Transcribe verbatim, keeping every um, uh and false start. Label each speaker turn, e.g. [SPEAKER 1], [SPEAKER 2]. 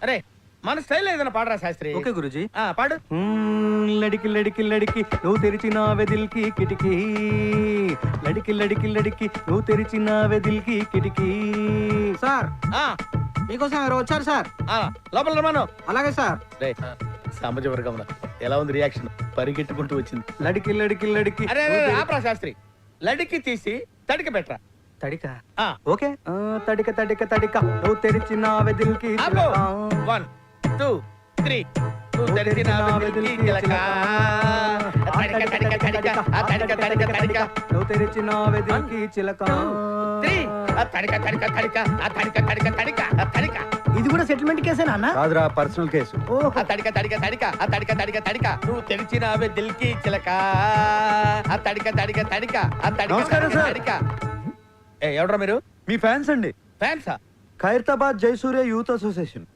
[SPEAKER 1] అరే మన స్టైల్ ఏదైనా పాడరా శాస్త్రి.
[SPEAKER 2] ఓకే గురుజీ.
[SPEAKER 1] ఆ పాడు.
[SPEAKER 2] లడికి లడికి లడికి నువ్వు తెరిచిన వెదిల్కి కిటికీ, లడికి లడికి లడికి నువ్వు తెరిచిన వెదిల్కి కిటికీ.
[SPEAKER 3] సార్
[SPEAKER 1] ఆ
[SPEAKER 3] మీకోసం ఎవరు వచ్చారు సార్?
[SPEAKER 1] ఆ లోపల రమాను.
[SPEAKER 3] అలాగే సార్.
[SPEAKER 1] రే సామాజిక వర్గంలో ఎలా ఉంది రియాక్షన్? పరిగెట్టుకుంటూ వచ్చింది.
[SPEAKER 2] లడికి లడికి లడికి
[SPEAKER 1] అరే ఆపరా శాస్త్రి. లడికి తీసి తడిక పెట్టరా.
[SPEAKER 2] తడిక.
[SPEAKER 1] ఆ
[SPEAKER 2] ఓకే. ఆ, తడిక తడిక తడిక నువ్వు తెరిచిన వెదిల్కి
[SPEAKER 1] ఆపు.
[SPEAKER 2] చిలక.
[SPEAKER 1] One two three. నువ్వు తెరిచిన వెదిల్కి చిలక. తడిక తడిక తడిక ఆ తడిక తడిక తడిక.
[SPEAKER 2] నువ్వు తెరిచిన వెదిల్కి చిలక.
[SPEAKER 1] త్రీ. ఆ తడిక తడిక తడిక ఆ తడిక తడిక తడిక ఆ తడిక.
[SPEAKER 3] ఇది కూడా సెటిల్మెంట్ కేసేనా అన్న?
[SPEAKER 2] కాదురా, పర్సనల్ కేసు.
[SPEAKER 1] ఆ తడిక తడిక తడిక ఆ తడిక తడిక తడిక. నువ్వు తెరిచిన వెదిల్కి చిలక. ఆ తడిక తడిక తడిక ఆ తడిక
[SPEAKER 2] నమస్కారం
[SPEAKER 1] తడిక
[SPEAKER 2] సార్.
[SPEAKER 1] తడిక. ఏ ఎవడ్రా మీరు?
[SPEAKER 2] మీ ఫ్యాన్స్ అండి.
[SPEAKER 1] ఫ్యాన్సా?
[SPEAKER 2] Khairatabad Jayasurya youth association.